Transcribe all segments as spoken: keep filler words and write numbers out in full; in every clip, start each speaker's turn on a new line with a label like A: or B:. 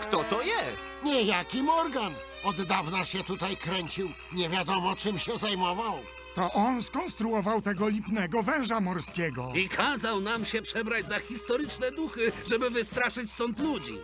A: Kto to jest?
B: Niejaki Morgan. Od dawna się tutaj kręcił. Nie wiadomo, czym się zajmował.
C: To on skonstruował tego lipnego węża morskiego.
D: I kazał nam się przebrać za historyczne duchy, żeby wystraszyć stąd ludzi.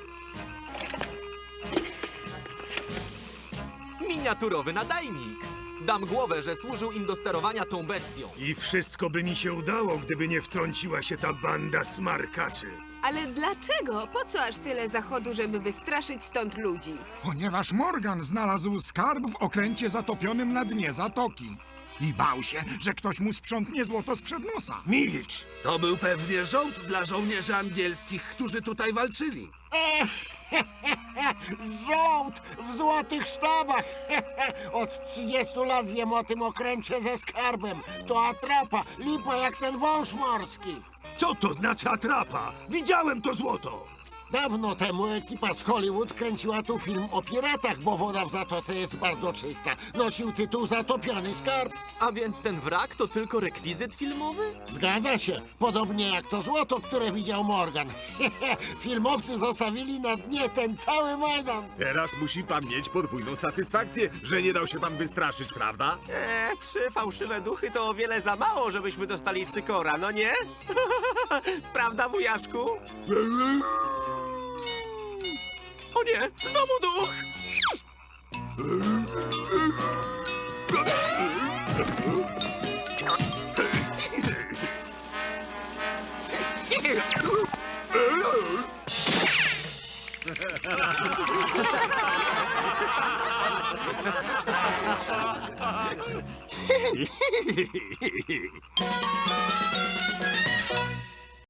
A: Miniaturowy nadajnik. Dam głowę, że służył im do sterowania tą bestią.
E: I wszystko by mi się udało, gdyby nie wtrąciła się ta banda smarkaczy.
F: Ale dlaczego? Po co aż tyle zachodu, żeby wystraszyć stąd ludzi?
C: Ponieważ Morgan znalazł skarb w okręcie zatopionym na dnie zatoki. I bał się, że ktoś mu sprzątnie złoto sprzed nosa.
E: Milcz!
D: To był pewnie żołd dla żołnierzy angielskich, którzy tutaj walczyli.
B: Żołd w złotych sztabach. Od trzydziestu lat wiem o tym okręcie ze skarbem. To atrapa, lipa jak ten wąż morski.
E: Co to znaczy atrapa? Widziałem to złoto!
B: Dawno temu ekipa z Hollywood kręciła tu film o piratach, bo woda w zatoce jest bardzo czysta. Nosił tytuł Zatopiony skarb.
A: A więc ten wrak to tylko rekwizyt filmowy?
B: Zgadza się. Podobnie jak to złoto, które widział Morgan. Filmowcy zostawili na dnie ten cały Majdan.
E: Teraz musi pan mieć podwójną satysfakcję, że nie dał się pan wystraszyć, prawda?
G: Eee, trzy fałszywe duchy to o wiele za mało, żebyśmy dostali cykora, no nie? Prawda, wujaszku? O nie, znowu duch!